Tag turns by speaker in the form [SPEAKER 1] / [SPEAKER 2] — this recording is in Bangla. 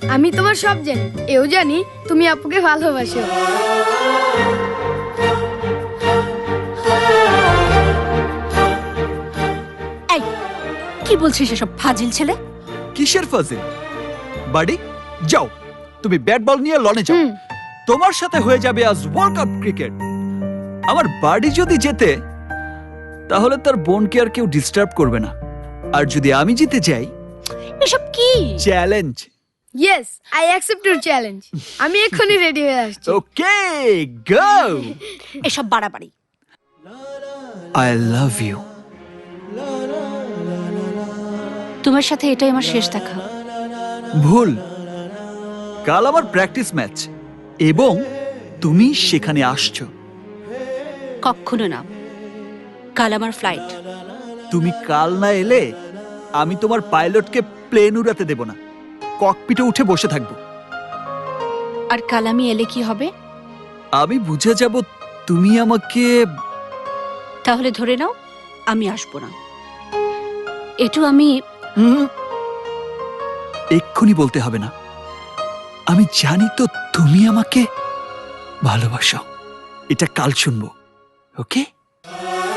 [SPEAKER 1] আমি তোমার সব জানি, এও জানি তুমি আপুকে ভালোবাসো।
[SPEAKER 2] এই কি বলছিস এসব ফাজিল ছেলে?
[SPEAKER 3] কিসের ফাজিল? বাডি যাও, তুমি ব্যাট বল নিয়ে লনে যাও। তোমার সাথে হয়ে যাবে আজ ওয়ার্ল্ড কাপ ক্রিকেট। আমার বাড়ি যদি জেতে তাহলে তার বোনকে আর কেউ ডিস্টার্ব করবে না, আর যদি আমি জিতে যাই,
[SPEAKER 2] এসব কি?
[SPEAKER 3] Challenge.
[SPEAKER 1] Yes, I accept your challenge. আমি এক্ষুনি রেডি হয়ে আসছি।
[SPEAKER 3] Okay, go.
[SPEAKER 2] এসব বাড়াবাড়ি।
[SPEAKER 3] I love you.
[SPEAKER 2] তোমার সাথে এটাই আমার শেষ দেখা।
[SPEAKER 3] ভুল, কাল আমার প্র্যাকটিস ম্যাচ এবং তুমি সেখানে আসছো।
[SPEAKER 2] কখনো না, কাল আমার ফ্লাইট।
[SPEAKER 3] তুমি কাল না এলে আমি তোমার পাইলটকে প্লেন উড়াতে দেব না, ককপিটে উঠে বসে থাকবো।
[SPEAKER 2] আর কাল আমি এলে কি হবে?
[SPEAKER 3] আমি বুঝে যাব তুমি আমাকে।
[SPEAKER 2] তাহলে ধরে নাও আমি আসবো না। এটু আমি
[SPEAKER 3] এক্ষুনি বলতে হবে না, আমি জানি তো তুমি আমাকে ভালোবাসো। এটা কাল শুনবো, ওকে?